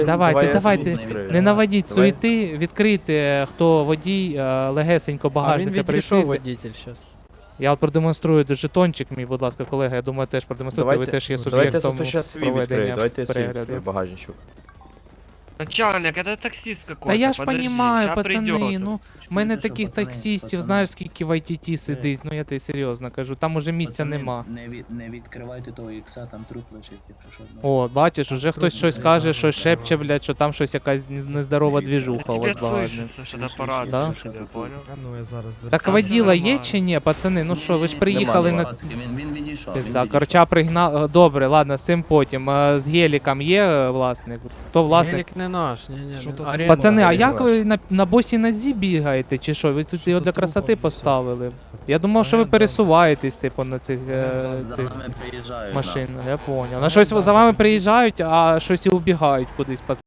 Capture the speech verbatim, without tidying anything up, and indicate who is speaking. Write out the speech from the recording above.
Speaker 1: Давайте,
Speaker 2: Давай я
Speaker 1: давайте,
Speaker 2: світ відкрию.
Speaker 1: не наводіть
Speaker 2: Давай.
Speaker 1: суєти, відкрийте, хто водій, е, легесенько
Speaker 3: А він
Speaker 1: багажника
Speaker 3: відійшов
Speaker 1: прийшли.
Speaker 3: водитель щас.
Speaker 1: Я от продемонструю жетончик мій, будь ласка, колега, я думаю, теж продемонструйте, ви
Speaker 2: Давайте-
Speaker 1: теж є
Speaker 2: Давайте я
Speaker 1: суб'єктом
Speaker 2: зато щас свій відкрию,
Speaker 1: проведення
Speaker 2: давайте я свій
Speaker 1: перегляду.
Speaker 2: відкрию багажничок.
Speaker 4: Начальник, это таксист какой-то.
Speaker 1: Та я ж
Speaker 4: подожди,
Speaker 1: понімаю,
Speaker 4: ща
Speaker 1: пацани,
Speaker 4: придёт.
Speaker 1: ну, в мене
Speaker 5: Чуєте, що,
Speaker 1: таких
Speaker 5: пацани,
Speaker 1: таксистів,
Speaker 5: пацани?
Speaker 1: знаєш, скільки в ай ті ті сидить, ну я тобі серйозно кажу, там уже місця
Speaker 5: Пацани,
Speaker 1: нема.
Speaker 5: Не, від, не відкривайте того ікса, там труп лежить, якщо що.
Speaker 1: О, бачиш, уже хтось щось
Speaker 5: трудно,
Speaker 1: каже,
Speaker 5: да,
Speaker 1: щось
Speaker 5: да,
Speaker 1: шепче,
Speaker 5: да.
Speaker 1: блядь, що там щось якась нездорова двіжуха у
Speaker 4: Тебе
Speaker 1: вас багажник.
Speaker 4: слышится, что это аппарат,
Speaker 1: Да?
Speaker 4: слышит, я понял.
Speaker 3: А ну я зараз
Speaker 1: Так
Speaker 4: Там
Speaker 1: воділа
Speaker 4: все
Speaker 1: є
Speaker 4: нормально.
Speaker 1: чи ні, пацани? Ну що, ви ж
Speaker 5: Ні,
Speaker 1: приїхали
Speaker 5: нема,
Speaker 1: на...
Speaker 5: пацки, Він, він відійшов. він
Speaker 1: Да,
Speaker 5: відійшов.
Speaker 1: корча пригнав. Добре, ладно, з цим потім. А з геліком є е, власник? Хто власник?
Speaker 3: Гелік не наш, ні, ні.
Speaker 6: Що
Speaker 3: не
Speaker 6: тут?
Speaker 3: наш.
Speaker 1: Пацани, а
Speaker 2: Гелік
Speaker 1: як
Speaker 2: ваш.
Speaker 1: ви на, на босій нозі бігаєте, чи що? Ви тут
Speaker 6: Що
Speaker 1: його
Speaker 6: тут
Speaker 1: для
Speaker 6: трупом
Speaker 1: красоти
Speaker 6: висить?
Speaker 1: поставили. Я думав, що ви
Speaker 6: Оренда.
Speaker 1: пересуваєтесь, типу, на цих, е,
Speaker 5: За
Speaker 1: цих
Speaker 5: нами приїжджають.
Speaker 1: машин.
Speaker 5: да.
Speaker 1: Я поняв. На щось за вами приїжджають, а щось і убігають кудись, пацани.